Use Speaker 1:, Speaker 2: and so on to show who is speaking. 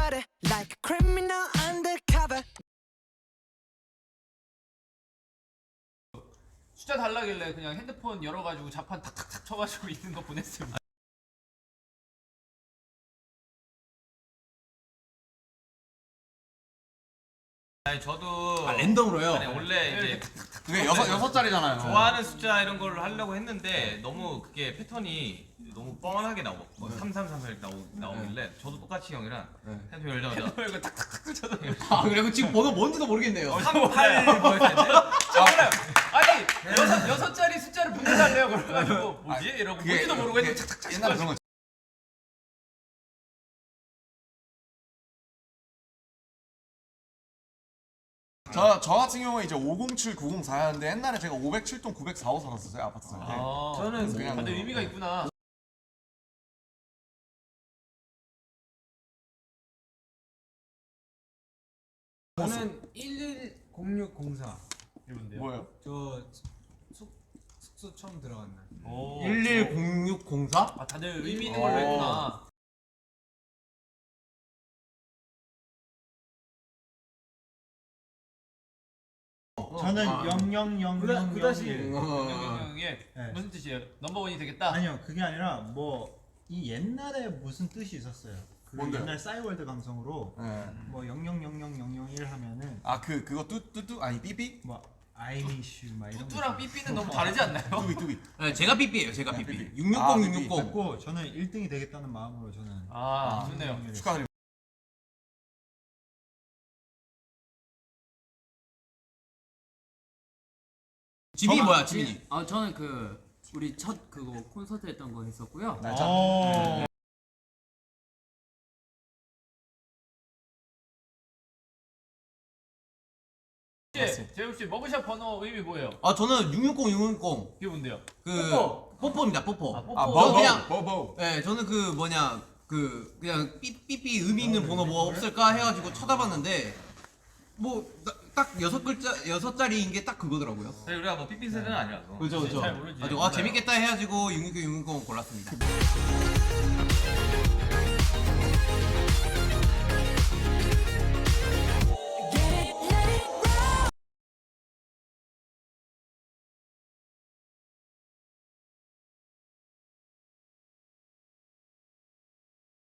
Speaker 1: body like a criminal undercover.
Speaker 2: 숫자 달라길래 그냥 핸드폰 열어가지고 자판 탁탁탁 쳐가지고 있는 거 보냈습니다.
Speaker 3: 아니 저도
Speaker 4: 랜덤으로요?
Speaker 3: 아니 원래 이제
Speaker 4: 그게 여섯 자리잖아요.
Speaker 3: 좋아하는 숫자 이런 걸 하려고 했는데 너무 그게 패턴이 너무 뻔하게 나오고 뭐 3334 이렇게 나오길래 저도 똑같이 형이랑 핸드폰 열자마자
Speaker 2: 이거 탁탁탁 쳐서
Speaker 4: 아 그리고 지금 번호 뭔지도 모르겠네요.
Speaker 3: 38 뭐였는데
Speaker 2: 아니 여섯 자리 숫자를 보내달래요. 그래가지고 뭐지? 이러고 뭔지도 모르고 했는데 탁탁탁
Speaker 4: 옛날에 그런 거. 저 같은 경우에 이제 507, 904였는데 옛날에 제가 507동 904호 살았었어요 아파트 살 때.
Speaker 2: 저는
Speaker 4: 그냥
Speaker 2: 근데 의미가 있구나.
Speaker 5: 저는 110604.
Speaker 2: 이분데요.
Speaker 4: 뭐예요?
Speaker 5: 저 숙소 처음 들어간 날.
Speaker 4: 110604?
Speaker 2: 아 다들 의미 있는 걸로 했구나.
Speaker 6: 저는 000001.
Speaker 5: 그 다시
Speaker 2: 영영영의
Speaker 6: 네.
Speaker 2: 무슨 뜻이에요? 넘버원이 되겠다.
Speaker 6: 아니요, 그게 아니라 뭐 이 옛날에 무슨 뜻이 있었어요. 그
Speaker 4: 뭔데요?
Speaker 6: 옛날 싸이월드 감성으로
Speaker 4: 네.
Speaker 6: 뭐 000001 하면은
Speaker 4: 아 그거 뚜뚜 아니 삐삐?
Speaker 6: 뭐 I miss you 막 이런
Speaker 2: 뚜뚜랑
Speaker 6: 거.
Speaker 2: 삐삐는 너무 다르지 않나요?
Speaker 4: 뚜비.
Speaker 7: 네, 제가 삐삐예요. 제가
Speaker 4: 네,
Speaker 7: 삐삐.
Speaker 4: 삐삐.
Speaker 7: 660,
Speaker 4: 아,
Speaker 7: 660.
Speaker 6: 그랬고 저는 1등이 되겠다는 마음으로 저는
Speaker 2: 아 좋네요.
Speaker 4: 축하드립니다.
Speaker 7: 지민이 뭐야, 지민이?
Speaker 8: 아 저는 그 우리 첫 그거 콘서트 했던 거 했었고요.
Speaker 4: 날짜.
Speaker 2: 재욱 씨 머그샷 번호 의미 뭐예요?
Speaker 7: 아, 저는 660, 660.
Speaker 2: 이게 뭔데요?
Speaker 7: 그 뽀뽀입니다, 뽀뽀.
Speaker 2: 아, 뽀뽀.
Speaker 4: 아
Speaker 7: 저 그냥
Speaker 4: 버버.
Speaker 7: 네, 저는 그 뭐냐 그냥 삐삐 의미 있는 번호 뭐 없을까 해가지고 쳐다봤는데 뭐 딱 6자리인 게 딱 그거더라고요.
Speaker 3: 우리가 뭐 삐삐 세대는 아니라서
Speaker 7: 그죠, 그죠.
Speaker 2: 잘 모르지.
Speaker 7: 재밌겠다 해가지고 660, 660 골랐습니다.